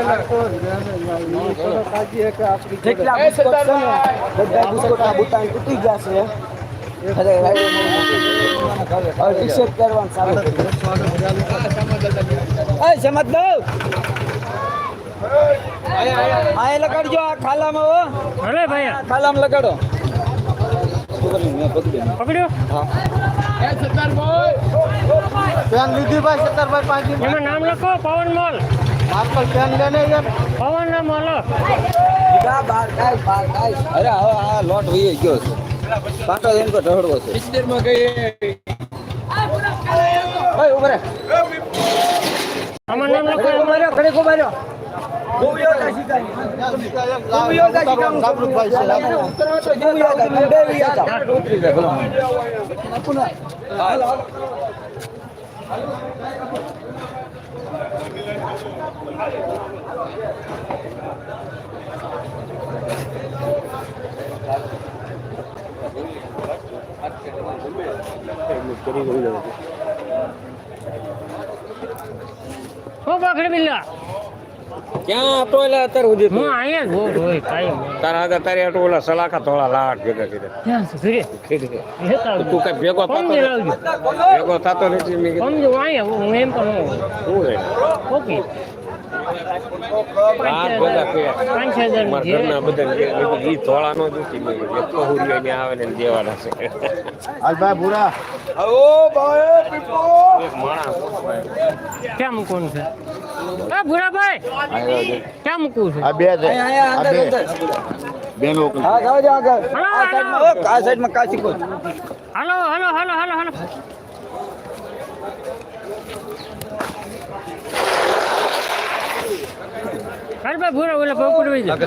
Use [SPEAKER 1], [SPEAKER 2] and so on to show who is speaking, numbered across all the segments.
[SPEAKER 1] જેટલા બુસ્કોટ છે ને બધા બુસ્કોટના બુટાણ તૂટી ગયા છે. અરે ટી શર્ટ પહેરવાનું ચાલુ કર્યું. સમજ દો આ લગાડજો આ ખાલામાં હો.
[SPEAKER 2] અરે ભાઈ
[SPEAKER 1] ખાલામાં લગાડો.
[SPEAKER 2] પકડ્યો
[SPEAKER 1] હા પેન લીધી ભાઈ સત્તરભાઈ પાંચ
[SPEAKER 2] એમાં નામ લખો પવન મોલ.
[SPEAKER 1] આપલ પેન લેને યાર
[SPEAKER 2] પવન ના મોલ.
[SPEAKER 1] અરે હવે આ લોટ વહી ગયો છે. પાટો એમ તો ઢળવો છે. 70 માં ગઈ ઓય ઉભરે
[SPEAKER 2] આમાં નામ લખો.
[SPEAKER 1] ઉભરે ઘરે કો માર્યો ગોવિયો કાશી કાઈ ગોવિયો કાશી કામ સાબરુભાઈ છે ગોવિયો કાશી દેવી હતા ઉતરી જાય ભલા આપુના હાલ હાલ
[SPEAKER 2] હો બાખડી બિલ્લા
[SPEAKER 1] ક્યાં હતો એટલે અત્યારે ઉધી
[SPEAKER 2] હું અહીંયા જ હોય કાઈ
[SPEAKER 1] તારા આગળ તારે આટો ઓલા સલાખા થોડા લાટ ભેગા કર્યા
[SPEAKER 2] ક્યાં સુરે
[SPEAKER 1] ખેડી
[SPEAKER 2] હેતા
[SPEAKER 1] તું કઈ ભેગો થતો ભેગો થતો નથી મેં કીધું
[SPEAKER 2] સમજો અહીંયા હું એમ પણ
[SPEAKER 1] શું રે
[SPEAKER 2] ઓકે
[SPEAKER 1] આ બધા કે
[SPEAKER 2] 5000
[SPEAKER 1] મારા ઘરના બધા ઈ થોડા નો દુખી મેં એટલો હુરિયો ને આવે ને દેવાના છે હાલ ભાઈ ભૂરા ઓ ભાઈ પીપો એક માણસ
[SPEAKER 2] ક્યાં મૂકવું છે એ ભૂરાભાઈ ક્યાં મૂકવું છે
[SPEAKER 1] આ બે છે આ બે બે લોકો હા જાવ જાવ આગળ આ સાઈડમાં કાચી કો
[SPEAKER 2] હાલો હાલો હાલો હાલો હાલો કાલ ભાઈ ભૂરા ઓલા પગ ઉડવી જાય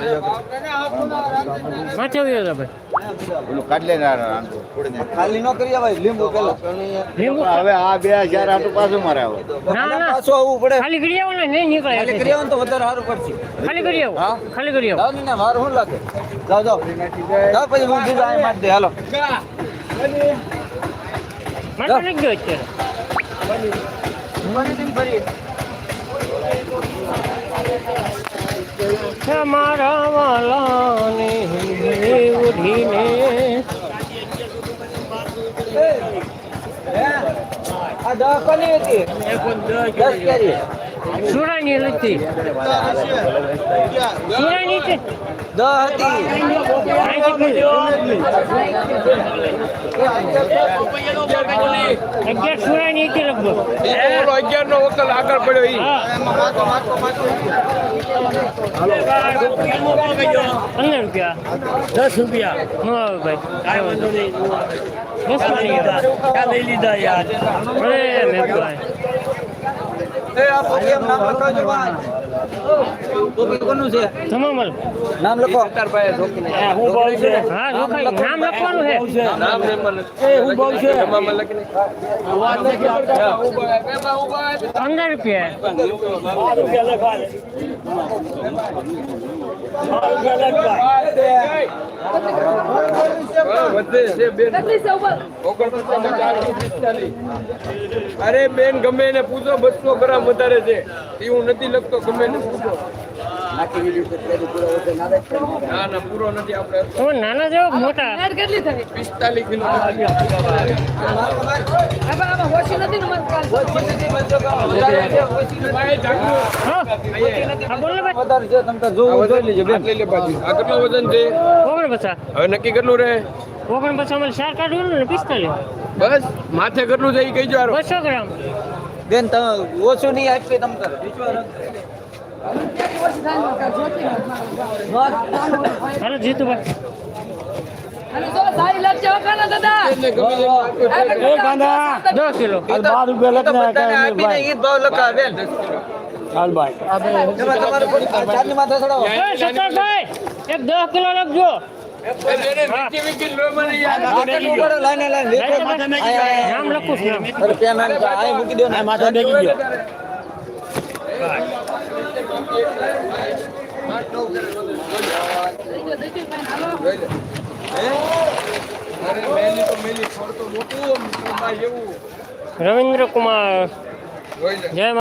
[SPEAKER 2] માથે આવ્યો હતા ભાઈ
[SPEAKER 1] ઓલું કાઢ લે ખાલી નો કરી ભાઈ લીંબુ પેલા
[SPEAKER 2] લીંબુ
[SPEAKER 1] હવે આ 2000 આટું પાછું મારે આવે
[SPEAKER 2] ના ના
[SPEAKER 1] પાછું આવવું પડે
[SPEAKER 2] ખાલી કરી આવો ને નહીં નીકળે
[SPEAKER 1] ખાલી કરી આવો તો વધારે સારું પડશે
[SPEAKER 2] ખાલી કરી આવો ખાલી કરી આવો
[SPEAKER 1] જાવ ને મારું શું લાગે જાવ જાવ જાવ પછી હું બીજા અહીં માર દે હાલો
[SPEAKER 2] મારે નહીં ગયો અત્યારે મારા વાલાની ઉઠીને
[SPEAKER 1] આ 10 કોની હતી 10 કરી
[SPEAKER 2] સુરાની લતી સુરાની છે
[SPEAKER 1] 10 હતી
[SPEAKER 2] 11 સુરાની હતી લગભગ
[SPEAKER 1] 11 નો વકલ આગળ પડ્યો ઈ
[SPEAKER 2] 15 રૂપિયા 10 રૂપિયા હા ભાઈ કાંઈ વાંધો નહીં 10 લઈ લીધા યાર અરે મેં ભાઈ
[SPEAKER 1] એ આ પોકેમ નામ લખાવજો ભાઈ ટોપી કોનું છે
[SPEAKER 2] તમામલ
[SPEAKER 1] નામ લખો સરદારભાઈ જોકીને
[SPEAKER 2] હું બોલ છે હા જોખાઈ નામ લખવાનું છે
[SPEAKER 1] નામ ને મને એ હું બોલ છે તમામલ લખીને
[SPEAKER 2] 15 રૂપિયા
[SPEAKER 1] અરે બેન ગમે એને પૂછો 200 ગ્રામ વધારે છે એવું નથી લખતો ગમે એને પૂછો ના ના પૂરો નથી આપણે
[SPEAKER 2] તો નાના જેવો મોટા
[SPEAKER 3] કેટલી થઈ
[SPEAKER 1] 45 કિલો
[SPEAKER 2] હા બોલ ને ભાઈ
[SPEAKER 1] વધારે છે તમે તો જોઈ લેજો બેન લઈ લે બાજુ આ કેટલો વજન છે
[SPEAKER 2] 49
[SPEAKER 1] હવે નક્કી કેટલું રહે
[SPEAKER 2] 49 અમારે 4 કાઢવું ને 45
[SPEAKER 1] બસ માથે કેટલું છે એ કહીજો હારો
[SPEAKER 2] 200 ગ્રામ
[SPEAKER 1] બેન તમે ઓછું નહીં આપી તમ તારે
[SPEAKER 2] હાલો જીતુભાઈ
[SPEAKER 1] એ ગાંડા
[SPEAKER 2] 10 કિલો
[SPEAKER 1] 12 રૂપિયા લખને ઈ ભાવ લખા બેન હાલ ભાઈ તમારે ચારની માથે ચડાવો
[SPEAKER 2] સત્તરભાઈ એક 10 કિલો લખજો નામ લખું છું
[SPEAKER 1] મૂકી દો ને માથા ડેગી ગયો
[SPEAKER 2] રવિન્દ્ર કુમાર જય